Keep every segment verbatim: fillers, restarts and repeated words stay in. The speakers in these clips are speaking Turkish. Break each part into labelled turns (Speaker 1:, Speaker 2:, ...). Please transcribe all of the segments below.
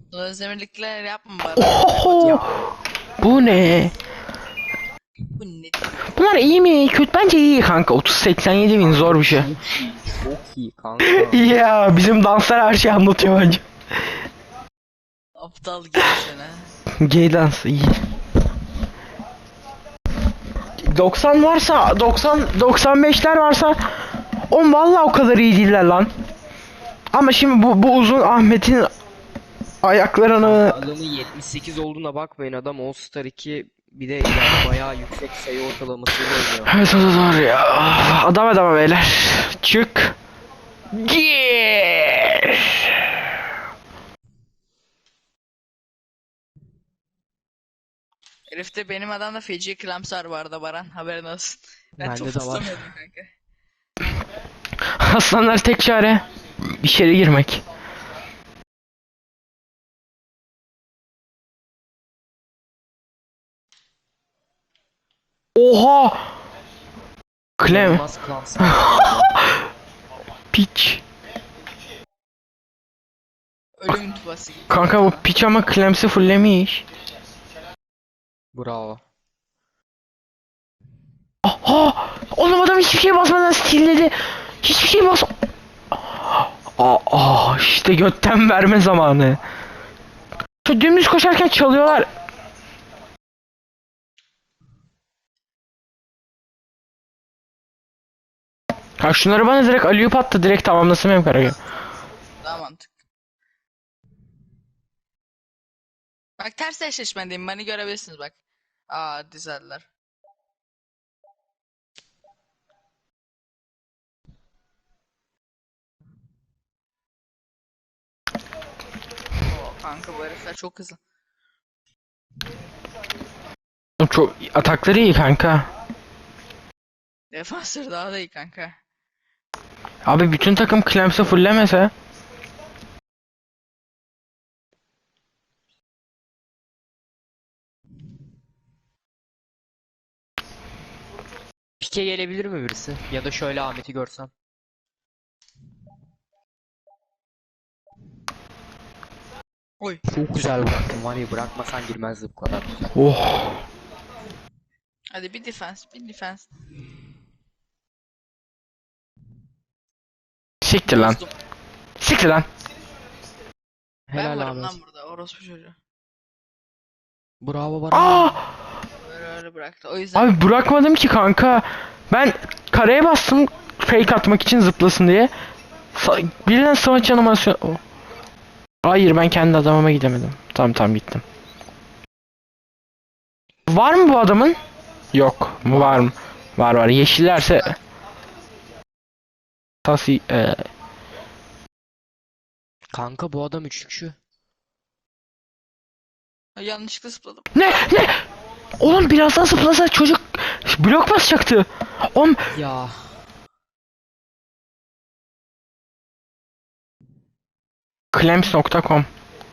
Speaker 1: Özdemirlikler yapma Baran. Kapat.
Speaker 2: Oho! Bu ne?
Speaker 1: Bu nedir ya?
Speaker 2: Bunlar iyi mi? Kötü, bence iyi kanka. otuz seksen yedi bin
Speaker 3: Kanka
Speaker 2: zor bir şey.
Speaker 3: çok iyi, çok iyi kanka.
Speaker 2: Ya bizim danslar her şeyi anlatıyor bence.
Speaker 1: Aptal gay seni.
Speaker 2: Gay dans iyi. doksan varsa doksan doksan beşler varsa on vallahi o kadar iyi değiller lan. Ama şimdi bu bu uzun Ahmet'in ayaklarını
Speaker 3: Kanka adamın yetmiş sekiz olduğuna bakmayın, adam All Star iki bir de yani bayağı yüksek sayı ortalamasıyla oynuyor.
Speaker 2: evet o da doğru ya. Adam adama beyler. Çık. Gir.
Speaker 1: Herifte benim adamda feci klamsar vardı Baran. Haberin olsun. Ben
Speaker 3: Bende
Speaker 1: top
Speaker 3: de var.
Speaker 1: tutamıyordum kanka.
Speaker 2: Aslanlar tek çare içeri girmek. Oha! Clem.
Speaker 3: İnanılmaz klamsar bu arada.
Speaker 2: Piç.
Speaker 1: Ölüm tuvası gibi.
Speaker 2: Kanka bu piç ama Clems'i fullemiş.
Speaker 3: Bravo.
Speaker 2: Aha! Oğlum adam hiçbir şey basmadan stilledi. Hiçbir şey bas... Aa, aa, işte götten verme zamanı. Şu dümdüz koşarken çalıyorlar. Ha şunları bana direkt alley-oop attı, direkt tamamlasın benim kararı.
Speaker 1: Daha mantıklı. Bak ters eşleşmedeyim. Beni görebilirsiniz bak. Aa dizeldiler. Oo kanka bu herifler çok hızlı.
Speaker 2: Çok atakları iyi kanka.
Speaker 1: Defansör daha da iyi kanka.
Speaker 2: Abi bütün takım Clems'i fullemese.
Speaker 3: Pike gelebilir mi birisi? Ya da şöyle Ahmet'i görsem.
Speaker 1: Oy.
Speaker 3: Çok güzel bıraktım var ya, bırakmasan girmezdi bu kadar güzel.
Speaker 2: Oh.
Speaker 1: Hadi bir defans, bir defans.
Speaker 2: Siktir lan.
Speaker 1: Bozdum.
Speaker 2: Siktir lan.
Speaker 1: Ben
Speaker 3: Helal
Speaker 1: varım
Speaker 3: Ahmet.
Speaker 1: lan burada. Orospu çocuğu.
Speaker 3: Bravo
Speaker 2: Aa!
Speaker 3: Baran.
Speaker 1: Öyle öyle bıraktı. O yüzden
Speaker 2: Abi bırakmadım ki kanka. Ben kareye bastım fake atmak için zıplasın diye. Sa- birden smaç animasyon... Oh. Hayır ben kendi adamıma gidemedim. Tamam tamam gittim. Var mı bu adamın? Yok. Mu var mı? Var var. Yeşillerse... Tasi... E...
Speaker 3: Kanka bu adam üçlükçü.
Speaker 1: yanlışlıkla zıpladım.
Speaker 2: Ne? Ne? Oğlum biraz daha zıplasa çocuk blok basacaktı. Oğlum
Speaker 3: Ya.
Speaker 2: Clamps nokta com.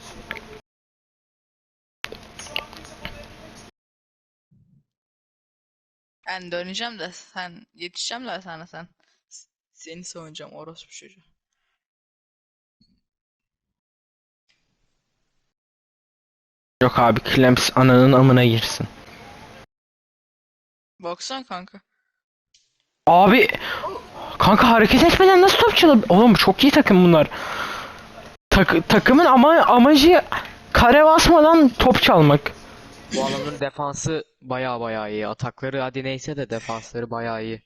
Speaker 1: Ben döneceğim de sen yetişeceğim de sana sen. S- Seni savunacağım orospu çocuğu.
Speaker 2: Yok abi Clamps ananın amına girsin.
Speaker 1: Baksana kanka.
Speaker 2: Abi kanka hareket etmeden nasıl top çalabilir? Oğlum çok iyi takım bunlar. Tak takımın ama amacı kare basmadan top çalmak.
Speaker 3: Bu adamın defansı baya baya iyi. Atakları hadi neyse de defansları baya iyi.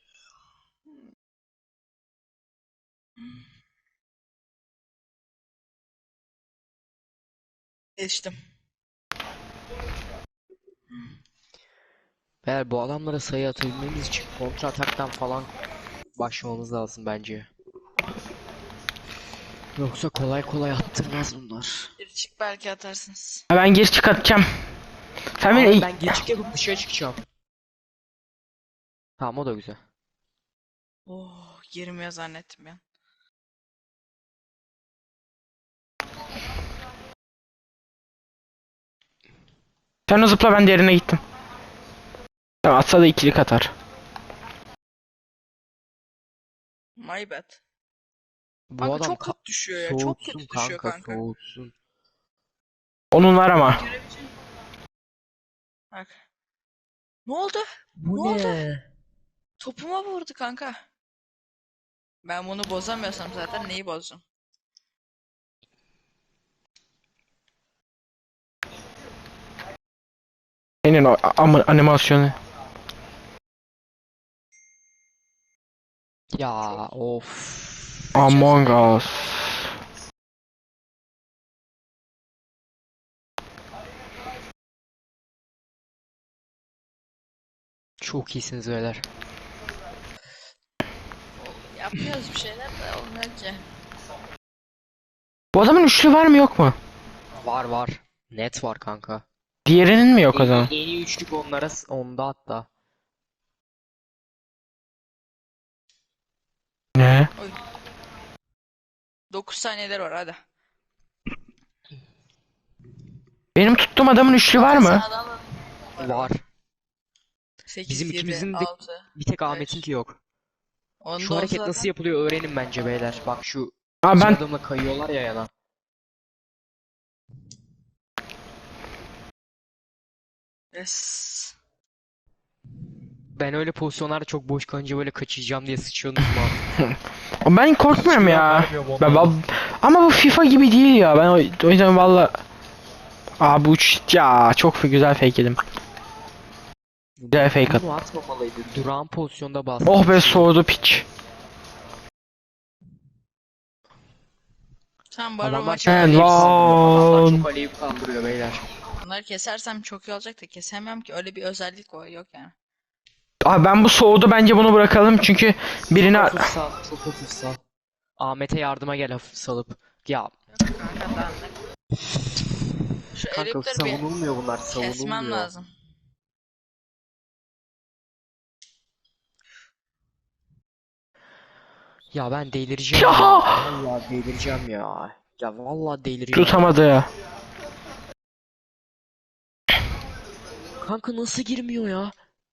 Speaker 1: Geçtim.
Speaker 3: Eğer bu adamlara sayı atabilmemiz için kontra ataktan falan başlamamız lazım bence. Yoksa kolay kolay attırmaz bunlar.
Speaker 1: Bir çık belki atarsınız.
Speaker 2: Ben geri çıkartacağım. Sen
Speaker 3: Abi
Speaker 2: beni...
Speaker 3: ben geç yapıp dışarı çıkacağım. Tamam, o da güzel.
Speaker 1: Oh girmiyor zannettim ya.
Speaker 2: Sen o zıpla, ben diğerine gittim. Tamam, atsa da ikilik atar.
Speaker 1: My bad.
Speaker 3: Bu
Speaker 1: Kanka
Speaker 3: adam
Speaker 1: çok
Speaker 3: ka-
Speaker 1: kötü düşüyor ya. Çok
Speaker 3: soğutsun
Speaker 1: kötü düşüyor
Speaker 3: kanka,
Speaker 1: kanka.
Speaker 3: soğutsun.
Speaker 2: Onun var ama.
Speaker 1: Görebileceğim. Bak. Ne oldu?
Speaker 3: Bu
Speaker 1: Ne oldu?
Speaker 3: ne?
Speaker 1: Topuma vurdu kanka. Ben bunu bozamıyorsam zaten neyi bozacağım?
Speaker 2: Senin o ama animasyonu.
Speaker 3: Ya of.
Speaker 2: Among Us.
Speaker 3: Çok iyisiniz beyler.
Speaker 1: Yapıyoruz bir şeyler de olmuyor ki.
Speaker 2: Bu adamın üçlü var mı yok mu?
Speaker 3: Var var. Net var kanka.
Speaker 2: Diğerinin mi yok o
Speaker 3: En,
Speaker 2: zaman?
Speaker 3: en iyi üçlük onlara s- onda hatta.
Speaker 2: Ne?
Speaker 1: Oy. dokuz saniyeler var hadi.
Speaker 2: Benim tuttuğum adamın üçlü var mı?
Speaker 1: Sağdan var.
Speaker 3: Var.
Speaker 1: sekiz,
Speaker 3: Bizim
Speaker 1: yedi,
Speaker 3: ikimizin de
Speaker 1: altı.
Speaker 3: bir tek Ahmet'inki yok.
Speaker 1: Onda
Speaker 3: Şu
Speaker 1: olsa
Speaker 3: hareket
Speaker 1: zaten
Speaker 3: nasıl yapılıyor öğrenin bence beyler. Bak şu
Speaker 2: Aa
Speaker 3: iki
Speaker 2: ben
Speaker 3: adımla kayıyorlar ya yana.
Speaker 1: yes.
Speaker 3: Ben öyle pozisyonlarda çok boş kalınca böyle kaçacağım diye sıçıyordunuz mu artık?
Speaker 2: ben korkmuyorum
Speaker 3: Hiç güven
Speaker 2: ya.
Speaker 3: vermiyorum
Speaker 2: Ben,
Speaker 3: onlara.
Speaker 2: ben- ama bu FIFA gibi değil ya. Ben o, o yüzden valla. Aa bu uç ya çok güzel fake yedim. Güzel fake at.
Speaker 3: Bunu atmamalıydı. Durağan pozisyonda bas.
Speaker 2: Oh be soğudu piç.
Speaker 1: Tamam bu araba
Speaker 3: Adamlar
Speaker 1: maçı
Speaker 3: çok
Speaker 2: He,
Speaker 3: aleyhip kaldırıyor. Adamlar
Speaker 2: lan.
Speaker 3: çok aleyhip kaldırıyor beyler.
Speaker 1: bunları kesersem çok iyi olacak da kesemem ki öyle bir özellik o yok yani.
Speaker 2: Aa ben bu soğudu bence bunu bırakalım çünkü birine
Speaker 3: Hafif sal, çok hafif sal. Ahmet'e yardıma gel hafif salıp. Ya
Speaker 1: Kanka daha ne? Şu
Speaker 3: kanka
Speaker 1: elipleri bir
Speaker 3: savunulmuyor bunlar,
Speaker 1: kesmem
Speaker 3: savunulmuyor.
Speaker 1: lazım.
Speaker 3: Ya ben delireceğim
Speaker 2: Ya!
Speaker 3: ya. Vallahi delireceğim ya. Ya vallahi delireceğim.
Speaker 2: tutamadı ya.
Speaker 3: Kanka nasıl girmiyor ya?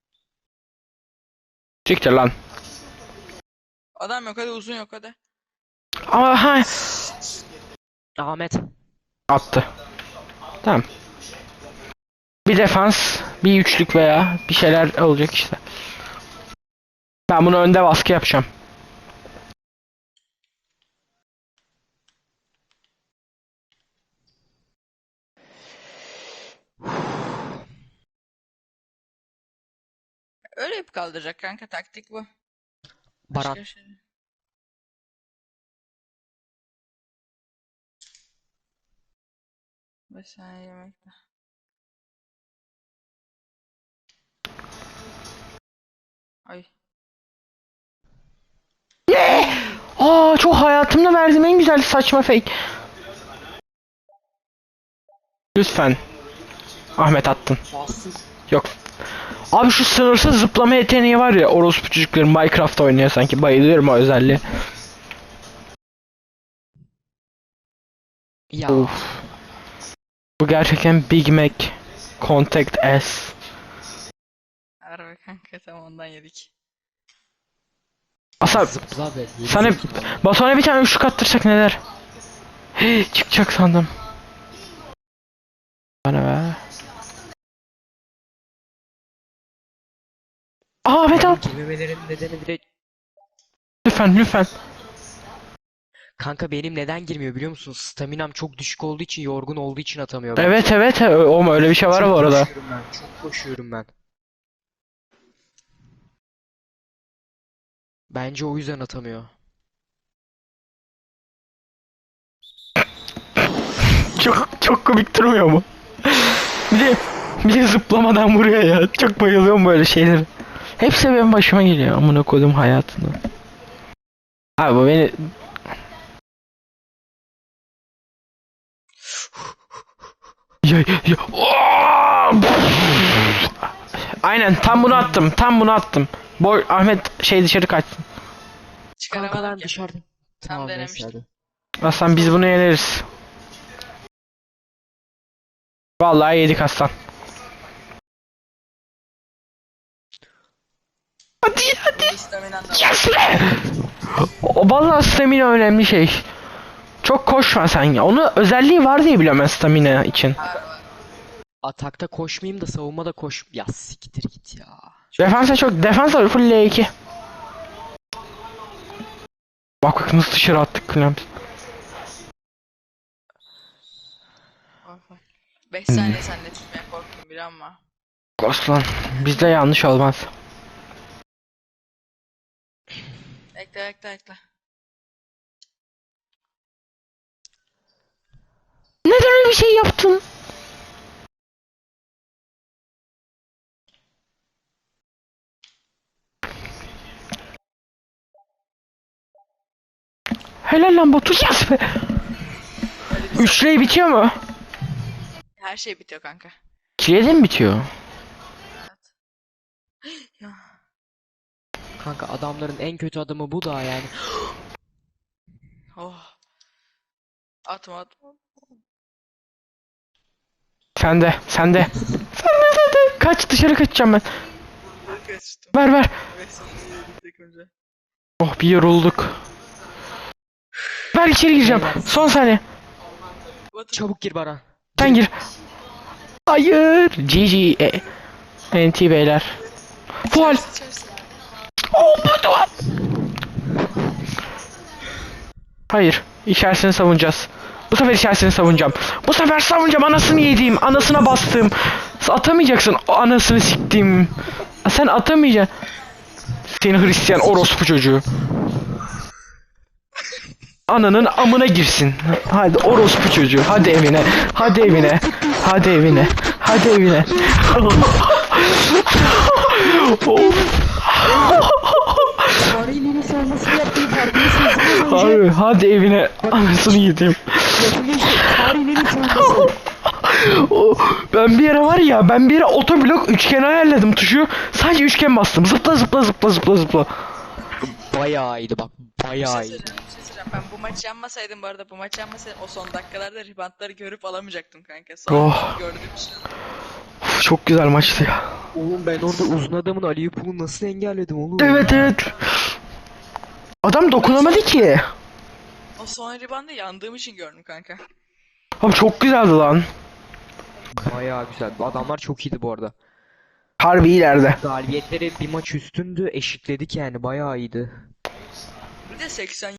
Speaker 2: Siktir lan.
Speaker 1: Adam yok hadi uzun yok hadi.
Speaker 2: Ama ha
Speaker 3: Ahmet.
Speaker 2: attı. Tamam. Bir defans, bir üçlük veya bir şeyler olacak işte. Ben bunu önde baskı yapacağım.
Speaker 1: Öyle hep kaldıracak kanka taktik bu.
Speaker 3: Baran.
Speaker 1: Başka bir şey değil. Beş saniye yemekte. Ay.
Speaker 2: Aa çok hayatımda verdiğim en güzel saçma fake. Lütfen. Ahmet attın.
Speaker 3: Bastın.
Speaker 2: Yok. Abi şu sınırsız zıplama yeteneği var ya orospu çocukları Minecraft oynuyor sanki bayılıyorum o özelliğe.
Speaker 3: Ya.
Speaker 2: Of. Bu gerçekten Big Mac Contact S.
Speaker 1: Harbi kanka tam ondan yedik.
Speaker 2: Asa
Speaker 3: Zıpla be.
Speaker 2: sana Batuhan'a bir tane üçlük attırsak neler? Hey, çıkacak sandım. Bana be. Aa Ahmet al.
Speaker 3: Girmemelerinin nedeni direkt...
Speaker 2: Lütfen lütfen.
Speaker 3: Kanka benim neden girmiyor biliyor musun? Staminam çok düşük olduğu için, yorgun olduğu için atamıyor ben.
Speaker 2: Evet evet o öyle bir şey var
Speaker 3: Çok
Speaker 2: bu arada.
Speaker 3: koşuyorum ben. Çok koşuyorum ben. Bence o yüzden atamıyor.
Speaker 2: Çok çok komik durmuyor mu? Bir de bir de zıplamadan vuruyor ya. Çok bayılıyorum böyle şeylere. Hepsi benim başıma geliyor amına koydum hayatını. Abi bu beni ya, ya. Aynen tam bunu attım. Tam bunu attım. Boy Ahmet şey dışarı kaçsın.
Speaker 3: Kanka
Speaker 1: Çıkaramadım
Speaker 3: ben
Speaker 1: ki.
Speaker 3: dışarıda. Tamam neyse
Speaker 1: denemiştim.
Speaker 3: hadi.
Speaker 2: Aslan biz bunu yeneriz. Vallahi yedik aslan. Hadi hadi.
Speaker 1: Bu istaminan da var.
Speaker 2: Yes be! O vallahi stamina önemli şey. Çok koşma sen ya. Onun özelliği var diye biliyorum ben stamina için.
Speaker 3: Atakta koşmayayım da savunmada koş. Ya siktir git ya.
Speaker 2: Defansa çok defans var full L iki. Bak bak nasıl dışarı attık Clem.
Speaker 1: beş saniye seninle tutmaya korktum bir ama.
Speaker 2: Aslan bizde yanlış olmaz.
Speaker 1: Bekle bekle bekle.
Speaker 2: Neden öyle bir şey yaptın? Helal lan Batu, yes be. üç L bitiyor mu?
Speaker 1: Her şey bitiyor kanka.
Speaker 2: iki L'de mi bitiyor?
Speaker 1: Evet. Ya.
Speaker 3: Kanka adamların en kötü adamı bu da yani.
Speaker 1: Oh. Atma atma.
Speaker 2: Sende, sende. Sende, sende. Kaç, dışarı kaçacağım ben.
Speaker 1: Kaçtım.
Speaker 2: Ver ver.
Speaker 1: beş saniye yedik önce.
Speaker 2: Oh bir yorulduk. Ver içeri gireceğim. Son saniye.
Speaker 3: Çabuk gir Baran.
Speaker 2: Sen gir. Hayır. G G. E, N T beyler. Faul.
Speaker 1: İçerisi.
Speaker 2: Oh bu duvar. Hayır. İçerisini savunacağız. Bu sefer içerisini savunacağım. Bu sefer savunacağım. Anasını yediğim. Anasına bastım. Atamayacaksın. O anasını siktim. Sen atamayacaksın. Seni Hristiyan orospu çocuğu. Ananın amına girsin. Hadi orospu çocuğu. Hadi evine. Hadi evine. Hadi evine. Hadi evine. Of.
Speaker 3: Tarihin en savunmasını yaptığını farkındasınız.
Speaker 2: Abi hadi evine. Anasını yediğim.
Speaker 3: Tarihin en savunması.
Speaker 2: O, ben bir ara var ya, ben bir ara otoblok üçgen ayarladım tuşu. Sadece üçgen bastım. Zıpla zıpla zıpla zıpla zıpla.
Speaker 3: Bayağı iyiydi bak.
Speaker 1: Bir şey
Speaker 3: Bayağı iyiydi.
Speaker 1: söyleyeceğim, bir şey söyleyeceğim. Ben bu maçı yanmasaydım bu arada bu maçı yanmasaydım o son dakikalarda ribantları görüp alamayacaktım kanka. Sonra
Speaker 2: Oh.
Speaker 1: gördüğüm için.
Speaker 2: Of, çok güzel maçtı ya.
Speaker 3: Oğlum ben orada uzun adamın Ali Yapım'ı nasıl engelledim oğlum?
Speaker 2: Evet evet. Adam dokunamadı ki.
Speaker 1: O son ribandı yandığım için gördüm kanka.
Speaker 2: Abi çok güzeldi lan.
Speaker 3: Bayağı güzel. Adamlar çok iyiydi bu arada.
Speaker 2: Harbi ileride.
Speaker 3: Galibiyetleri bir maç üstündü. Eşitledik yani. Bayağı iyiydi.
Speaker 1: Bir de seksen